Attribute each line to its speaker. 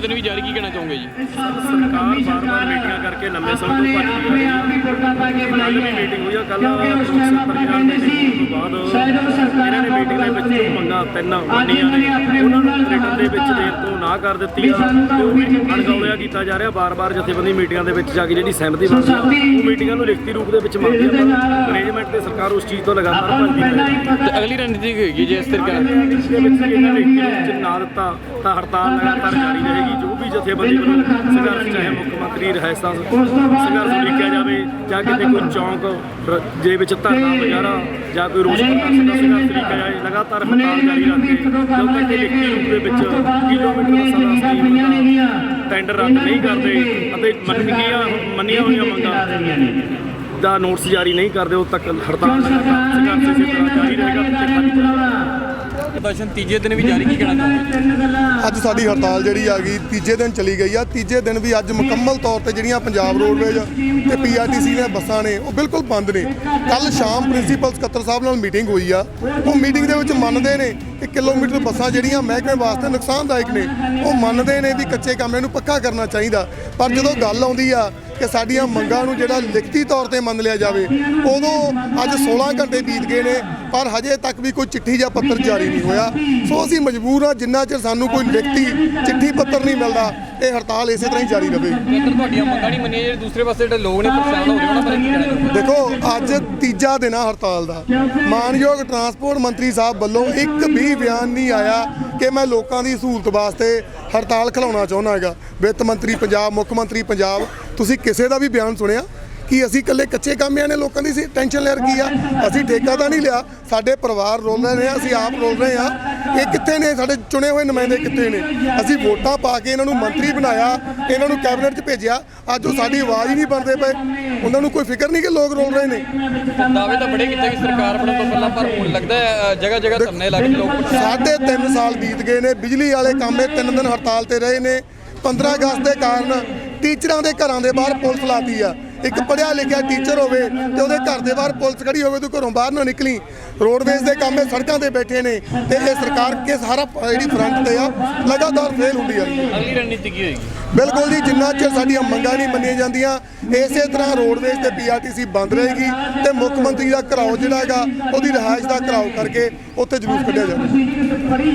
Speaker 1: दिन भी जारी, की कहना चाहोगे जी?
Speaker 2: सरकार बार-बार मीटिंगां करके लंबे समय तो भज रही है। कल भी मीटिंग हुई है, कल पंजाब मीटिंग ਤੋਂ ਬਾਅਦ ਇਹਨਾਂ ਨੇ ਮੀਟਿੰਗ ਦੇ ਵਿੱਚ ਜੋ ਮੰਗਾਂ ਤਿੰਨ ਮੰਨੀਆਂ ਨੇ ਉਹਨਾਂ ਨੂੰ ਰਿਟਨ ਦੇ ਵਿੱਚ ਦੇਣ ਤੋਂ ਨਾ ਕਰ ਦਿੱਤੀ ਆ ਤੇ ਉਹ ਵੀ ਅਣਗੌਲਿਆ ਕੀਤਾ ਜਾ ਰਿਹਾ। ਬਾਰ-ਬਾਰ ਜਥੇਬੰਦੀ ਮੀਟਿੰਗਾਂ ਦੇ ਵਿੱਚ ਜਾ ਕੇ ਜਿਹੜੀ ਸਹਿਮਤੀ ਬਣਦੀ ਆ ਉਹ ਮੀਟਿੰਗਾਂ ਨੂੰ ਲਿਖਤੀ ਰੂਪ ਦੇ ਵਿੱਚ ਮੰਗਦੀ ਆ, ਪਰ ਮੈਨੇਜਮੈਂਟ ਤੇ ਸਰਕਾਰ ਉਸ ਚੀਜ਼ ਤੋਂ ਲਗਾਤਾਰ ਭੱਜਦੀ ਹੈ।
Speaker 1: ਤੇ ਅਗਲੀ ਰਣਨੀਤੀ ਕੀ ਹੋਏਗੀ ਜੇ ਇਸ ਤਰੀਕੇ ਨਾਲ
Speaker 2: ਦੇ ਵਿੱਚ ਇਹਨਾਂ ਨੇ ਲਿਖਤੀ ਰੂਪ 'ਚ ਨਾ ਦਿੱਤਾ ਤਾਂ ਹੜਤਾਲ ਲਗਾਤਾਰ ਜਾਰੀ ਰਹੇਗੀ। ਜੋ ਵੀ ਜਥੇਬੰਦੀ ਵੱਲੋਂ ਸੰਘਰਸ਼, ਚਾਹੇ ਮੁੱਖ ਮੰਤਰੀ ਰਹਿਸਾਂ ਸੰਘਰਸ਼ ਲਿਖਿਆ ਜਾਵੇ ਜਾਂ ਕਿਤੇ ਕੋਈ ਚੌਂਕ ਦੇ ਵਿੱਚ ਧਰਨਾ ਵਗੈਰਾ ਜਾਂ ਕੋਈ ਰੋਸ ਪ੍ਰਦਰਸ਼ਨ ਦਾ ਸੰਘਰਸ਼ ਲਿਖਿਆ ਜਾਏ, ਲਗਾਤਾਰ ਹੜਤਾਲ ਜਾਰੀ ਰੱਖ ਕੇ ਜਦੋਂ ਤੱਕ ਲਿਖਤੀ ਰੂਪ ਦੇ ਵਿੱਚ ਕਿਲੋਮੀਟਰ ਬੱਸਾਂ ਦਾ ਟੈਂਡਰ ਰੱਦ ਨਹੀਂ ਕਰਦੇ ਅਤੇ ਮੰਨੀਆਂ ਹੋਈਆਂ ਮੰਗਾਂ ਦਾ ਨੋਟਿਸ ਜਾਰੀ ਨਹੀਂ ਕਰਦੇ, ਉਦੋਂ ਤੱਕ ਹੜਤਾਲ ਸੰਘਰਸ਼ ਇਸੇ ਤਰ੍ਹਾਂ ਜਾਰੀ ਰਹੇਗਾ।
Speaker 1: ਪ੍ਰਦਰਸ਼ਨ ਤੀਜੇ ਦਿਨ ਵੀ ਜਾਰੀ, ਕੀ ਕਹਿਣਾ ਚਾਹੋਗੇ?
Speaker 3: ਅੱਜ ਸਾਡੀ ਹੜਤਾਲ ਜਿਹੜੀ ਆ ਗਈ ਤੀਜੇ ਦਿਨ ਚਲੀ ਗਈ ਆ। ਤੀਜੇ ਦਿਨ ਵੀ ਅੱਜ ਮੁਕੰਮਲ ਤੌਰ ਤੇ ਜਿਹੜੀਆਂ ਪੰਜਾਬ ਰੋਡਵੇਜ਼ ਤੇ ਪੀਆਰਟੀਸੀ ਦੀਆਂ ਬੱਸਾਂ ਨੇ ਉਹ ਬਿਲਕੁਲ ਬੰਦ ਨੇ। ਕੱਲ ਸ਼ਾਮ ਪ੍ਰਿੰਸੀਪਲ ਸਕੱਤਰ ਸਾਹਿਬ ਨਾਲ ਮੀਟਿੰਗ ਹੋਈ ਆ। ਉਹ ਮੀਟਿੰਗ ਦੇ ਵਿੱਚ ਮੰਨਦੇ ਨੇ ਕਿ ਕਿਲੋਮੀਟਰ ਬੱਸਾਂ ਜਿਹੜੀਆਂ ਮਹਿਕਮੇ ਵਾਸਤੇ ਨੁਕਸਾਨਦਾਇਕ ਨੇ, ਉਹ ਮੰਨਦੇ ਨੇ ਵੀ ਕੱਚੇ ਕੰਮ ਨੂੰ ਪੱਕਾ ਕਰਨਾ ਚਾਹੀਦਾ। ਪਰ ਜਦੋਂ ਗੱਲ ਆਉਂਦੀ ਆ ਕਿ ਸਾਡੀਆਂ ਮੰਗਾਂ ਨੂੰ ਜਿਹੜਾ ਲਿਖਤੀ ਤੌਰ ਤੇ ਮੰਨ ਲਿਆ ਜਾਵੇ, ਉਦੋਂ ਅੱਜ 16 ਘੰਟੇ ਬੀਤ ਗਏ ਨੇ ਪਰ ਹਜੇ ਤੱਕ ਵੀ ਕੋਈ ਚਿੱਠੀ ਜਾਂ ਪੱਤਰ ਜਾਰੀ ਨਹੀਂ ਹੋਇਆ। ਸੋ ਅਸੀਂ ਮਜਬੂਰ ਹਾਂ, ਜਿੰਨਾ ਚਿਰ ਸਾਨੂੰ ਕੋਈ ਲਿਖਤੀ ਚਿੱਠੀ ਪੱਤਰ ਨਹੀਂ ਮਿਲਦਾ ਇਹ ਹੜਤਾਲ ਇਸੇ ਤਰ੍ਹਾਂ ਹੀ ਜਾਰੀ ਰਹੇ।
Speaker 1: ਜੇਕਰ ਤੁਹਾਡੀਆਂ ਮੰਗਾਂ ਨਹੀਂ ਮੰਨੀਆਂ, ਜਿਹੜੇ ਦੂਸਰੇ ਪਾਸੇ ਜਿਹੜੇ ਲੋਕ ਨੇ ਪਰੇਸ਼ਾਨ ਹੋ ਰਹੇ ਉਹਨਾਂ ਬਾਰੇ ਕੀ ਕਹਿਣਾ ਚਾਹੋਗੇ?
Speaker 3: ਦੇਖੋ, ਅੱਜ ਤੀਜਾ ਦਿਨ ਆ ਹੜਤਾਲ ਦਾ। ਮਾਨਯੋਗ ਟਰਾਂਸਪੋਰਟ ਮੰਤਰੀ ਸਾਹਿਬ ਵੱਲੋਂ ਇੱਕ ਵੀ ਬਿਆਨ ਨਹੀਂ ਆਇਆ ਕਿ ਮੈਂ ਲੋਕਾਂ ਦੀ ਸਹੂਲਤ ਵਾਸਤੇ ਹੜਤਾਲ ਖਿਲਾਉਣਾ ਚਾਹੁੰਦਾ ਹੈਗਾ। ਵਿੱਤ ਮੰਤਰੀ ਪੰਜਾਬ, ਮੁੱਖ ਮੰਤਰੀ ਪੰਜਾਬ, ਤੁਸੀਂ ਕਿਸੇ ਦਾ ਵੀ ਬਿਆਨ ਸੁਣਿਆ ਕਿ ਅਸੀਂ ਇਕੱਲੇ ਕੱਚੇ ਕਾਮਿਆਂ ਨੇ ਲੋਕਾਂ ਦੀ ਟੈਨਸ਼ਨ ਲੈ ਰੱਖੀ ਆ? ਅਸੀਂ ਠੇਕਾ ਤਾਂ ਨਹੀਂ ਲਿਆ, ਸਾਡੇ ਪਰਿਵਾਰ ਰੋਲ ਰਹੇ ਨੇ, ਅਸੀਂ ਆਪ ਰੋਲ ਰਹੇ ਆ। ਇਹ ਕਿੱਥੇ ਨੇ ਸਾਡੇ ਚੁਣੇ ਹੋਏ ਨੁਮਾਇੰਦੇ, ਕਿੱਥੇ ਨੇ? ਅਸੀਂ ਵੋਟਾਂ ਪਾ ਕੇ ਇਹਨਾਂ ਨੂੰ ਮੰਤਰੀ ਬਣਾਇਆ, ਇਹਨਾਂ ਨੂੰ ਕੈਬਨਿਟ 'ਚ ਭੇਜਿਆ, ਅੱਜ ਉਹ ਸਾਡੀ ਆਵਾਜ਼ ਹੀ ਨਹੀਂ ਬਣਦੇ ਪਏ। ਉਹਨਾਂ ਨੂੰ ਕੋਈ ਫਿਕਰ ਨਹੀਂ ਕਿ ਲੋਕ ਰੋਲ ਰਹੇ ਨੇ।
Speaker 1: ਦਾਅਵੇ ਤਾਂ ਬੜੇ ਕੀਤੇ ਕਿ ਸਰਕਾਰ ਬਣਨ ਤੋਂ ਪਹਿਲਾਂ, ਪਰ ਹੁਣ ਲੱਗਦਾ ਹੈ ਜਗ੍ਹਾ ਜਗ੍ਹਾ ਧਰਨੇ ਲੱਗ ਗਏ, ਲੋਕ
Speaker 3: 3.5 ਸਾਲ ਬੀਤ ਗਏ ਨੇ, ਬਿਜਲੀ ਵਾਲੇ ਕੰਮ 3 ਦਿਨ ਹੜਤਾਲ ਤੇ ਰਹੇ ਨੇ। 15 ਅਗਸਤ ਦੇ ਕਾਰਨ ਟੀਚਰਾਂ ਦੇ ਘਰਾਂ ਦੇ ਬਾਹਰ ਪੁਲਿਸ ਲਾਤੀ ਆ। ਇੱਕ ਪੜ੍ਹਿਆ ਲਿਖਿਆ ਟੀਚਰ ਹੋਵੇ ਤੇ ਉਹਦੇ ਘਰ ਦੇ ਬਾਹਰ ਪੁਲਿਸ ਖੜੀ ਹੋਵੇ, ਤੂੰ ਘਰੋਂ ਬਾਹਰ ਨਾ ਨਿਕਲੀ। ਰੋਡਵੇਜ਼ ਦੇ ਕੰਮ ਸੜਕਾਂ ਤੇ ਬੈਠੇ ਨੇ ਤੇ ਇਹ ਸਰਕਾਰ ਕੇ ਸਾਰਾ ਜਿਹੜੀ ਫਰੰਟ ਤੇ ਆ ਲਗਾਤਾਰ ਫੇਲ ਹੁੰਦੀ ਆ।
Speaker 1: ਅਗਲੀ ਰਣਨੀਤੀ ਕੀ ਹੋਏਗੀ?
Speaker 3: ਬਿਲਕੁਲ ਜੀ, ਜਿੰਨਾ ਚਿਰ ਸਾਡੀਆਂ ਮੰਗਾਂ ਨਹੀਂ ਮੰਨੀਆਂ ਜਾਂਦੀਆਂ ਇਸੇ ਤਰ੍ਹਾਂ ਰੋਡਵੇਜ਼ ਤੇ ਪੀਆਰਟੀਸੀ ਬੰਦ ਰਹੇਗੀ ਤੇ ਮੁੱਖ ਮੰਤਰੀ ਦਾ ਘਰਾਓ ਜਿਹੜਾ ਹੈਗਾ ਉਹਦੀ ਰਿਹਾਇਸ਼ ਦਾ ਘਰਾਓ ਕਰਕੇ ਉੱਥੇ ਜਲੂਸ ਕੱਢਿਆ ਜਾਵੇ।